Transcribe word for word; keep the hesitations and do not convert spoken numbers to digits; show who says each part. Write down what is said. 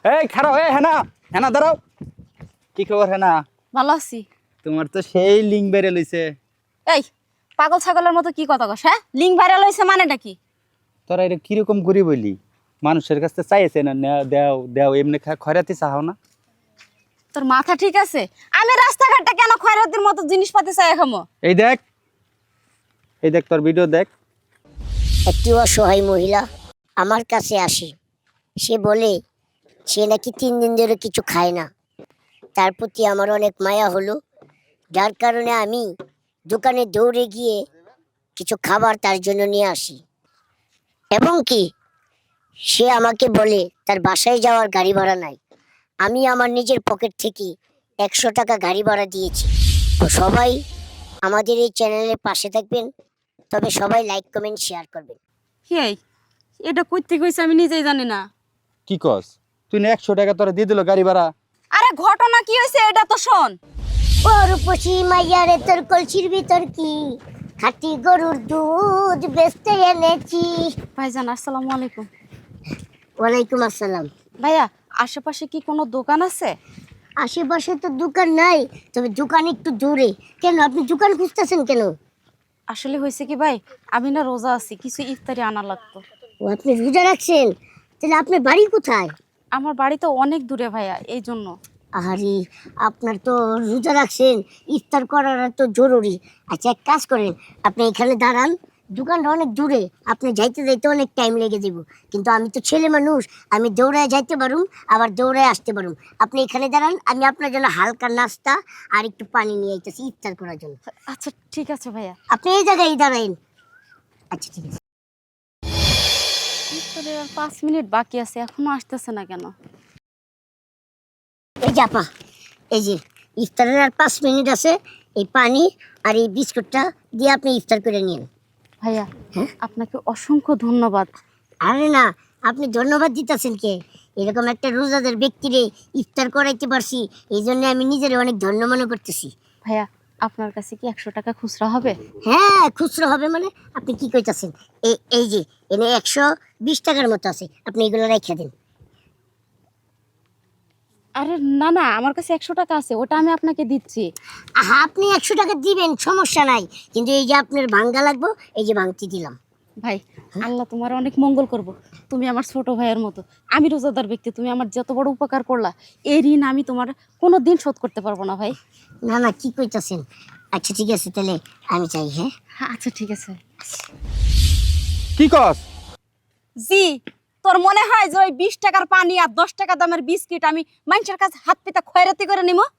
Speaker 1: এই খারাপ এই হেনা হেনা দাঁড়াও। কি খবর হেনা?
Speaker 2: ভালো আছি।
Speaker 1: তোমার তো সেই লিঙ্ক বেড়ে লইছে।
Speaker 2: এই পাগল ছাগলের মতো কি কথা কস? হ্যাঁ, লিঙ্ক ভাইরাল হইছে মানেটা কি?
Speaker 1: তোরা এটা কিরকম করি বলি? মানুষের কাছে চাইছে না নেও দেও দেও এমনি খয়রাতি চাও না?
Speaker 2: তোর মাথা ঠিক আছে? আমি রাস্তাঘাটটা কেন খয়রাতির মতো জিনিসপাতি চাই খামো?
Speaker 1: এই দেখ এই দেখ তোর ভিডিও দেখ।
Speaker 3: একটি অসহায় মহিলা আমার কাছে আসে। সে বলে সে নাকি তিন দিন ধরে কিছু খায় না। তার প্রতি আমার অনেক মায়া হলো, যার কারণে আমি দোকানে দৌড়ে গিয়ে কিছু খাবার তার জন্য নিয়ে আসি। এবং কি সে আমাকে বলে তার বাসায় যাওয়ার গাড়ি ভাড়া নাই। আমি আমার নিজের পকেট থেকে একশো টাকা গাড়ি ভাড়া দিয়েছি। তো সবাই আমাদের এই চ্যানেলের পাশে থাকবেন, তবে সবাই লাইক কমেন্ট শেয়ার করবেন।
Speaker 2: এই এটা কইতে কইছে আমি নিজেই জানি না।
Speaker 1: কি কস? তুই না একশো টাকা তোরা দিয়ে দিল গাড়ি ভাড়া।
Speaker 2: আরে ঘটনা কি হয়েছে এটা তো শোন।
Speaker 3: ও রূপসী মাইয়ারে তোর কলসির ভিতর কি খাঁটি গরুর দুধ বেচতে এনেছি।
Speaker 2: ভাইজান আসসালামু আলাইকুম।
Speaker 3: ওয়ালাইকুম আসসালাম।
Speaker 2: ভাইয়া আশেপাশে কি কোনো দোকান আছে?
Speaker 3: আশেপাশে তো দোকান নাই, তবে দোকান একটু দূরে। কেন, আপনি দোকান খুঁজতেছেন কেন?
Speaker 2: আসলে হয়েছে কি ভাই, আমি না রোজা আছি, কিছু ইফতারি আনা লাগতো।
Speaker 3: ও আপনি রোজা রাখছেন? তাহলে আপনার বাড়ি কোথায়?
Speaker 2: আমার বাড়ি তো অনেক দূরে ভাইয়া, এই জন্য।
Speaker 3: আরে আপনার তো রোজা রাখছেন, ইফতার করার তো জরুরি। আচ্ছা এক কাজ করেন, আপনি এখানে দাঁড়ান, দোকানটা অনেক দূরে, আপনি যাইতে যাইতে অনেক টাইম লেগে যাব। কিন্তু আমি তো ছেলে মানুষ, আমি দৌড়ায় যাইতে পারুম, আবার দৌড়ায় আসতে পারুম। আপনি এখানে দাঁড়ান, আমি আপনার জন্য হালকা নাস্তা আর একটু পানি নিয়ে আইতেছি ইফতার করার জন্য।
Speaker 2: আচ্ছা ঠিক আছে ভাইয়া।
Speaker 3: আপনি এই জায়গায় দাঁড়াইন। আচ্ছা ঠিক আছে।
Speaker 2: ইফতারের আর পাঁচ মিনিট বাকি আছে, এখনো আসতেছে না কেন?
Speaker 3: এই যে আপা, এই যে ইফতারের আর পাঁচ মিনিট আছে, এই পানি আর এই বিস্কুটটা দিয়ে আপনি ইফতার করে নিন।
Speaker 2: ভাইয়া
Speaker 3: হ্যাঁ?
Speaker 2: আপনাকে অসংখ্য ধন্যবাদ।
Speaker 3: আরে না, আপনি ধন্যবাদ দিতেছেন কে? এরকম একটা রোজাদার ব্যক্তিরে ইফতার করাইতে পারছি, এই জন্য আমি নিজের অনেক ধন্য মনে করতেছি।
Speaker 2: ভাইয়া আপনার কাছে কি একশো টাকা খুচরা হবে?
Speaker 3: হ্যাঁ খুচরো হবে মানে? আপনি কি কইতাছেন? এই এই যে এনে একশো বিশ টাকার মতো আছে, আপনি এগুলো রেখে দিন।
Speaker 2: আরে না না, আমার কাছে একশো টাকা আছে, ওটা আমি আপনাকে দিচ্ছি।
Speaker 3: আহা, আপনি একশো টাকা দিবেন, সমস্যা নাই, কিন্তু এই যে আপনার ভাঙ্গা লাগবো, এই যে ভাঙতি দিলাম।
Speaker 2: ভাই আল্লাহ তোমার অনেক মঙ্গল করব। তুমি আমার ছোট ভাইয়ের মতো, আমি রোজাদার ব্যক্তি, তুমি আমার যত বড় উপকার করলা, এই ঋণ আমি তোমার কোনো দিন শোধ করতে পারবো না ভাই।
Speaker 3: না না, কি কইতাছেন? আচ্ছা ঠিক আছে, তাহলে আমি চাই। হ্যাঁ
Speaker 2: হ্যাঁ আচ্ছা ঠিক আছে।
Speaker 1: কি কস?
Speaker 2: জি, তোর মনে হয় যে ওই বিশ টাকার পানি আর দশ টাকা দামের বিস্কিট আমি মানুষের কাছে হাত পেতে খয়রাতি করে নিব?